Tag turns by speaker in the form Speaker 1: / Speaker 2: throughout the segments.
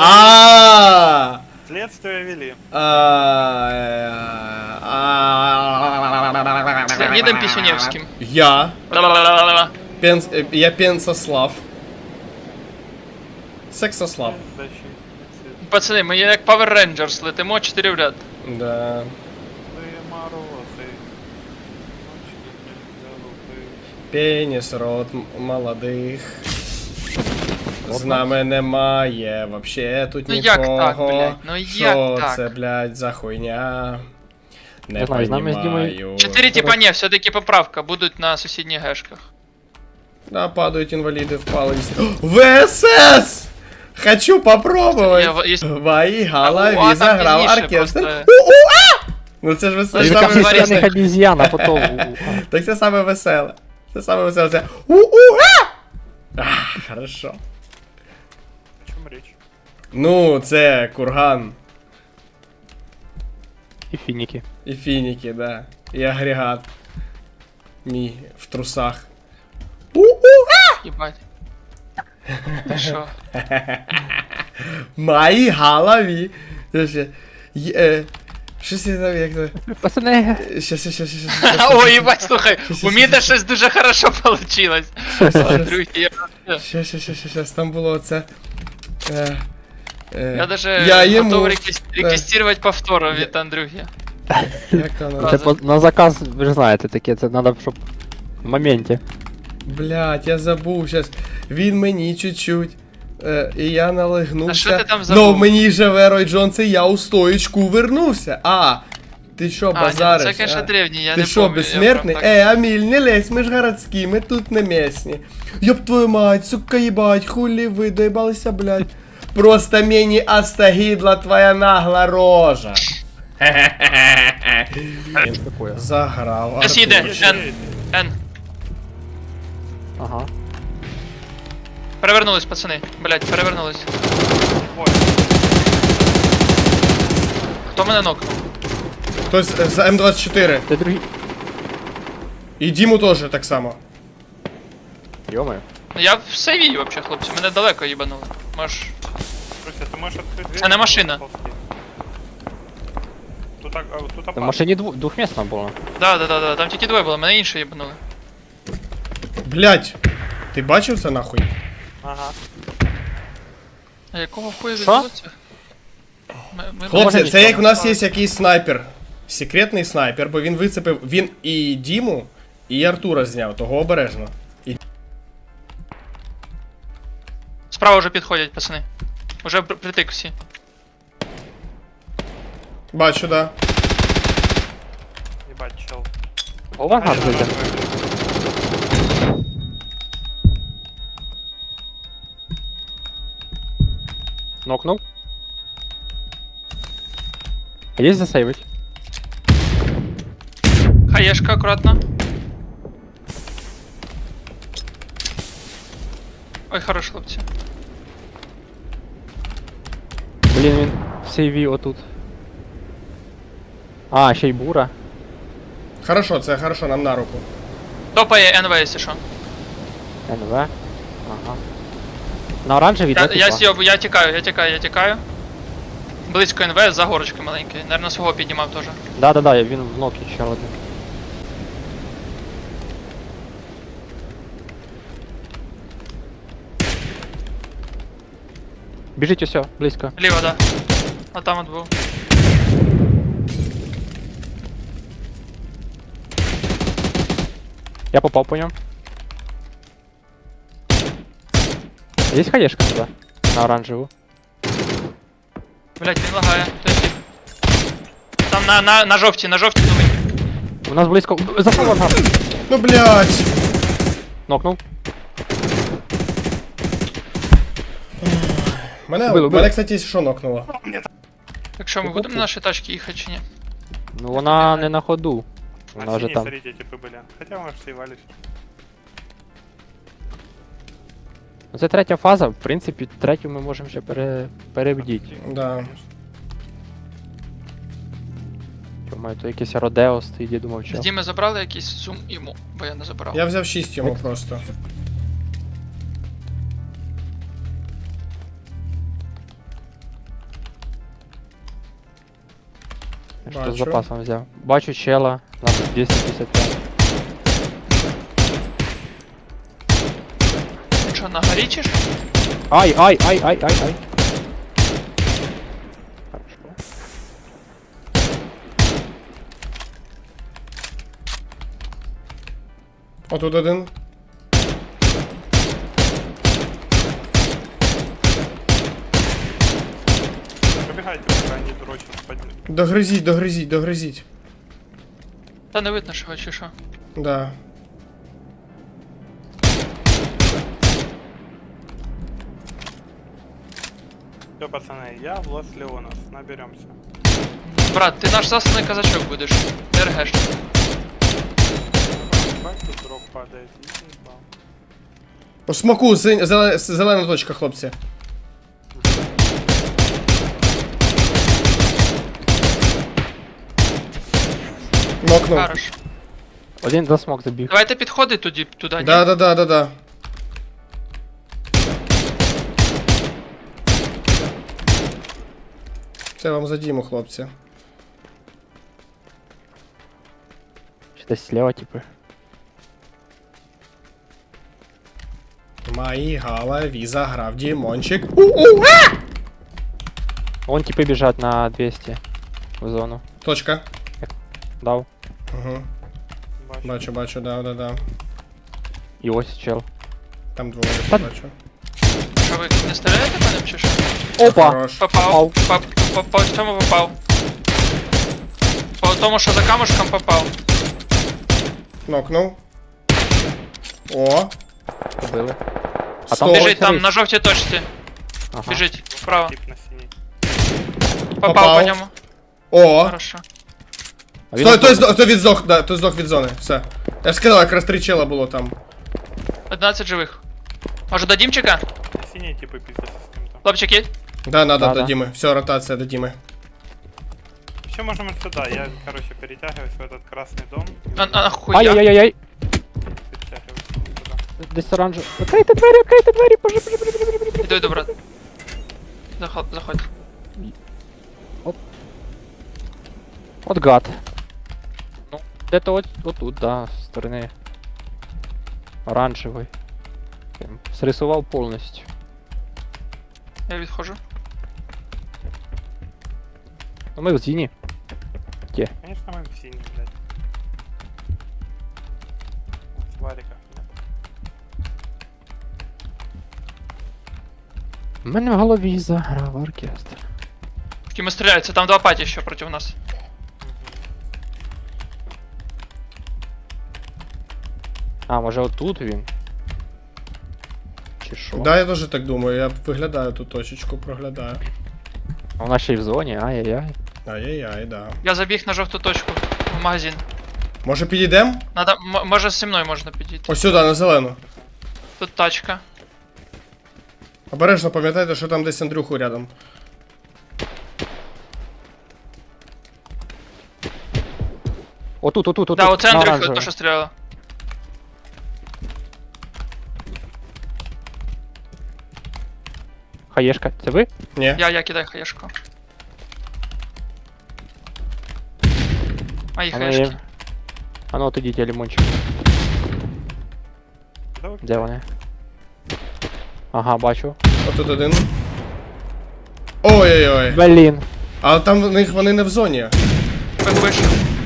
Speaker 1: Следствие вели.
Speaker 2: С Леонидом Писюневским.
Speaker 3: Я Пенсослав. Сексослав.
Speaker 2: Пацани, ми як Power Rangers летимо 4 в ряд.
Speaker 3: Да. Пеніс, рот молодих. З нами немає вообще тут
Speaker 2: Ну
Speaker 3: нікого.
Speaker 2: як так, блядь? Ну як
Speaker 3: Що
Speaker 2: так?
Speaker 3: це, блядь, за хуйня? Не
Speaker 4: знаю, з нами з
Speaker 3: понімаю.
Speaker 2: 4 типа ні, все-таки поправка, будуть на сусідніх гешках.
Speaker 3: Да, падают инвалиды в палость. ВСС! Хочу попробовать! В моей голове заграв оркестр. Ну це ж веселе.
Speaker 4: Яка
Speaker 3: Саме
Speaker 4: священних
Speaker 3: веселе.
Speaker 4: обезьян, а потом...
Speaker 3: Так це саме веселе. Це саме веселе. Це хорошо.
Speaker 1: О чем речь?
Speaker 3: Ну, це курган.
Speaker 4: И финики.
Speaker 3: І фініки, да. І агрегат. Мій в трусах.
Speaker 2: Єбать. Ти що?
Speaker 3: В моїй голові. Щось я там як то.
Speaker 4: Пацаны,
Speaker 3: Щас.
Speaker 2: Ой, єбать, слухай, у мене щось дуже хорошо получилось. Андрюхи,
Speaker 3: Щас, там було це.
Speaker 2: я даже
Speaker 3: Я йому-
Speaker 2: готов реквестировать повтору від Андрюхи.
Speaker 3: Як то воно?
Speaker 4: це на заказ, ви ж знаєте, таке, це надо, щоб в моменті.
Speaker 3: Блять, я забув щас. Він мені чуть-чуть. І я налегнувся.
Speaker 2: А що ти там забув?
Speaker 3: Ну, в мені живе Рой Джонс, і я у стоїчку вернувся. Ти що,
Speaker 2: А,
Speaker 3: базариш?
Speaker 2: ні, це, конечно, древній, я
Speaker 3: Ти
Speaker 2: не
Speaker 3: що,
Speaker 2: помню,
Speaker 3: безсмертний?
Speaker 2: я прям так-
Speaker 3: Аміль, не лезь, ми ж городські, ми тут не місні. Ёб твою мать, сука, ебать, хули ви, доебалися, блядь. Просто мені остагідла твоя нагла рожа.
Speaker 4: Такое.
Speaker 3: Заграв.
Speaker 2: Щас їде,
Speaker 3: Артур.
Speaker 2: Н.
Speaker 4: Ага.
Speaker 2: Перевернулись, пацани. Блять, перевернулись.
Speaker 1: Ой,
Speaker 2: Хто мене нокнув?
Speaker 3: Хтось з М24.
Speaker 4: Ти другий.
Speaker 3: І Діму теж так само.
Speaker 4: Йомаю.
Speaker 2: Ну, я в сейві, вообще, хлопці, мене далеко їбанули. Можеш...
Speaker 1: Руся, ты можешь открыть дверь?
Speaker 2: Це не машина.
Speaker 1: Тут, тут
Speaker 4: В
Speaker 1: опасно.
Speaker 4: машині двохмісна була.
Speaker 2: Да, там тільки двоє було, мене інше їбанули.
Speaker 3: Блять, ти бачив це нахуй?
Speaker 1: Ага.
Speaker 2: А якого хуя
Speaker 4: Що?
Speaker 2: відбулося?
Speaker 3: Хлопці,
Speaker 4: Може,
Speaker 3: це як у нас є
Speaker 2: нічого.
Speaker 3: якийсь снайпер. Секретний снайпер, бо він вицепив. Він і Діму, і Артура зняв, того обережно.
Speaker 2: Справа вже підходять, пацани. Уже притик всі.
Speaker 3: Бачу, да.
Speaker 1: Ебать, чел.
Speaker 4: Голова гад зайде. Нокнув. Є засейвить.
Speaker 2: Хаєшка, акуратно. Ой, хорош, хлопці.
Speaker 4: Блін, він в сейві отут. А, ще й бура.
Speaker 3: Хорошо, це хорошо, нам на руку.
Speaker 2: Топає НВ, якщо що.
Speaker 4: НВ. Ага. На оранжевій, да,
Speaker 2: Я
Speaker 4: типа?
Speaker 2: сьобу, я тікаю. Близько НВ, за горочкою маленькою. Наверно, свого піднімав теж.
Speaker 4: Да, він в нокі ще один. Біжить усьо, близько.
Speaker 2: Ліво, да. А там от був.
Speaker 4: Я попав по ньому. Є хаєшка туди? На оранжеву.
Speaker 2: Блять, він лагає. Той тип. Там на жовті думай.
Speaker 4: У нас близько. Запав ангар.
Speaker 3: Ну блять.
Speaker 4: Нокнув.
Speaker 3: Мене,
Speaker 4: Було.
Speaker 3: кстати, що нокнуло?
Speaker 2: Так що, ми будемо на наші тачки їхати чи ні?
Speaker 4: Ну вона не на ходу.
Speaker 1: А
Speaker 4: Вона вже
Speaker 1: синие,
Speaker 4: там.
Speaker 1: смотрите, типы были. Хотя, может, съевались.
Speaker 4: Ну, це третя фаза, в принципі, третю ми можемо ще перебдіти.
Speaker 3: Да.
Speaker 4: Думаю, то якийсь Родео стоїть, я думав, що.
Speaker 2: Тоді ми забрали якийсь зум йому, бо я не забрав.
Speaker 3: Я взяв 6 йому просто.
Speaker 4: Що з запасом взяв. Бачу чела на 255.
Speaker 2: Що, на горі чи що?
Speaker 4: Ай. Хорошо.
Speaker 3: Отут один.
Speaker 1: Пробігайте, поки вони дурочно спадні.
Speaker 3: Догризіть.
Speaker 2: Та не видно, що чи що.
Speaker 3: Да.
Speaker 1: Все, пацаны, я Влас Леонов, наберемся.
Speaker 2: Брат, ти наш засланий казачок будеш. Не ргеш.
Speaker 1: Бать, тут дроп падает, и не упал.
Speaker 3: У смоку зелена точка, хлопці. Нокнув.
Speaker 2: Хорош.
Speaker 4: Один за смок забіг.
Speaker 2: Давайте підходи туди, туди. ні?
Speaker 3: Да. Це вам за Діму, хлопці.
Speaker 4: Чи десь слева, типу.
Speaker 3: В моїй голові заграв Дімончик.
Speaker 4: Вон типи біжать на 200 в зону.
Speaker 3: Точка.
Speaker 4: Дав.
Speaker 3: Угу. Бачу, да.
Speaker 4: І ось чел.
Speaker 3: Там двоє
Speaker 4: Та-
Speaker 3: бачу.
Speaker 2: Що ви не стріляєте по ним чи що?
Speaker 4: Опа!
Speaker 3: Хорош.
Speaker 2: Попав. По цьому попав. По тому, що за камушком попав.
Speaker 3: Нокнув. О.
Speaker 4: Побили.
Speaker 3: Сто.
Speaker 4: там
Speaker 2: Біжить там
Speaker 4: рейс.
Speaker 2: на жовтій точці.
Speaker 4: Ага.
Speaker 2: Біжить вправо.
Speaker 1: Тип на синей.
Speaker 2: Попав
Speaker 3: Попав.
Speaker 2: по ньому.
Speaker 3: О.
Speaker 2: Хорошо.
Speaker 4: А він
Speaker 3: Стой,
Speaker 4: отут.
Speaker 3: той здох, да, той здох від зони. Все. Я ж сказав, якраз 3 чела було там.
Speaker 2: 11 живих. Може до Дімчика?
Speaker 1: На синей типы пиздятся с кем-то.
Speaker 2: Хлопчик є?
Speaker 3: Да, надо
Speaker 4: Да,
Speaker 3: до
Speaker 4: да.
Speaker 3: Діми. Все, ротація до Діми.
Speaker 1: Еще можем вот сюда, я, короче, перетягиваюсь в этот красный дом.
Speaker 2: Ахуя.
Speaker 4: Ай-яй-яй-яй.
Speaker 1: Перетягиваюсь туда.
Speaker 4: Десь оранжевий. Відкрийте двері, боже.
Speaker 2: Іду, брат. Заходь.
Speaker 4: От гад. Ну, де-то от тут, да, з сторони. Оранжевий. Прям срисував повністю.
Speaker 2: Я відходжу.
Speaker 4: Ну ми в зіні.
Speaker 1: Конечно, мы в синий, блядь. В вариках, блядь.
Speaker 4: У мене в голові заграв оркестр.
Speaker 2: В ким стріляються, там два паті ще проти нас.
Speaker 4: А, може отут він? Чи що?
Speaker 3: Да, я теж так думаю, я виглядаю ту точечку, проглядаю.
Speaker 4: А вона ще й в зоні, ай-яй-яй.
Speaker 3: Ай-яй-яй, да.
Speaker 2: Я забіг на жовту точку в магазин.
Speaker 3: Може підійдемо?
Speaker 2: Надо, може зі мною можна підійти.
Speaker 3: Ось сюди, на зелену.
Speaker 2: Тут тачка.
Speaker 3: Обережно пам'ятайте, що там десь Андрюху рядом.
Speaker 4: Отут,
Speaker 2: Да, оце
Speaker 4: на
Speaker 2: Андрюха,
Speaker 4: оранжевий.
Speaker 2: то що стріляла.
Speaker 4: Хаєшка, це ви?
Speaker 3: Ні.
Speaker 2: Я кидаю хаєшку. Мої
Speaker 4: Воно
Speaker 2: хаєшки.
Speaker 4: є. А ну от ідіть, я лимончик.
Speaker 1: Да вы
Speaker 4: Де вони? Ага, бачу.
Speaker 3: Отут один. Ой-ой-ой.
Speaker 4: Блін.
Speaker 3: А там в них вони не в зоні.
Speaker 2: Вийшов.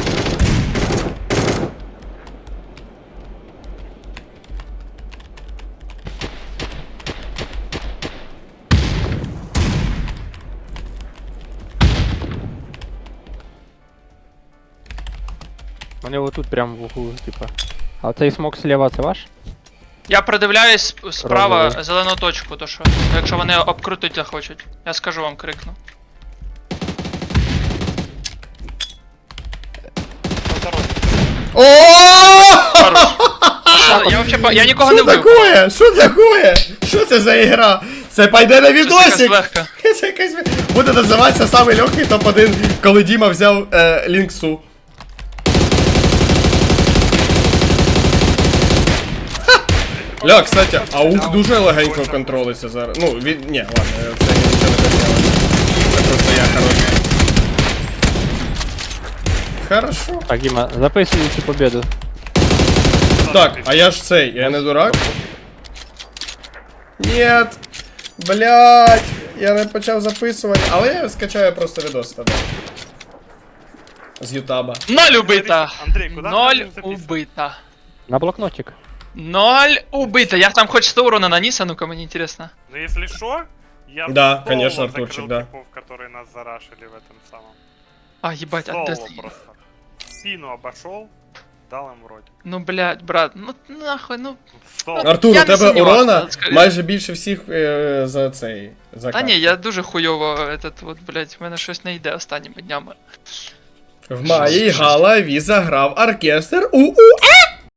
Speaker 4: Вони отут прям в углу, типа. А цей смок слева це ваш?
Speaker 2: Я придивляюсь справа
Speaker 4: Розовий.
Speaker 2: зелену точку, то що. Якщо вони обкрутить захочуть. Я скажу вам, крикну.
Speaker 3: О!
Speaker 2: Я вообще я нікого не
Speaker 3: Що
Speaker 2: вбив.
Speaker 3: такое? Що такое? Що це за ігра? Це пойде на
Speaker 2: Щось якась
Speaker 3: відосик.
Speaker 2: легка.
Speaker 3: Це якась... Буде називатися самий легкий топ-1, коли Діма взяв Лінксу. Ля, кстати, аук дуже легенько контролиться зараз. Ну, він... Ні, ладно, це нічого не поміняли. Це просто я хороший. Хорошо.
Speaker 4: Так, Діма, записуй цю победу.
Speaker 3: Так, а я ж цей, я не дурак? Нет. Блять. Я не почав записувати, але я скачаю просто відос тоді. З Ютаба.
Speaker 2: 0 убито!
Speaker 1: Андрей, куда
Speaker 2: 0
Speaker 1: ты записываешь?
Speaker 2: убито.
Speaker 4: На блокнотик.
Speaker 2: 0 убито. Я там хоть 100 урона нанес, а ну-ка, мне интересно.
Speaker 1: Ну если что, я
Speaker 3: Да,
Speaker 1: соло
Speaker 3: конечно,
Speaker 1: закрыл
Speaker 3: Артурчик, да.
Speaker 1: типов, которые нас зарашили в этом самом.
Speaker 2: А, ебать,
Speaker 1: Соло
Speaker 2: да-
Speaker 1: просто. Спину обошел, дал им вроде.
Speaker 2: Ну, блядь, брат, ну нахуй, ну...
Speaker 1: Соло.
Speaker 3: Артур,
Speaker 2: Я
Speaker 3: у
Speaker 2: не
Speaker 3: тебе
Speaker 2: сумнівався,
Speaker 3: урона
Speaker 2: скоріше.
Speaker 3: майже більше всіх за цей. За
Speaker 2: Та ні,
Speaker 3: карту.
Speaker 2: я дуже хуйово, этот вот, блядь, в мене щось не йде останніми днями.
Speaker 3: В моїй голові заграв оркестр. У-у-а!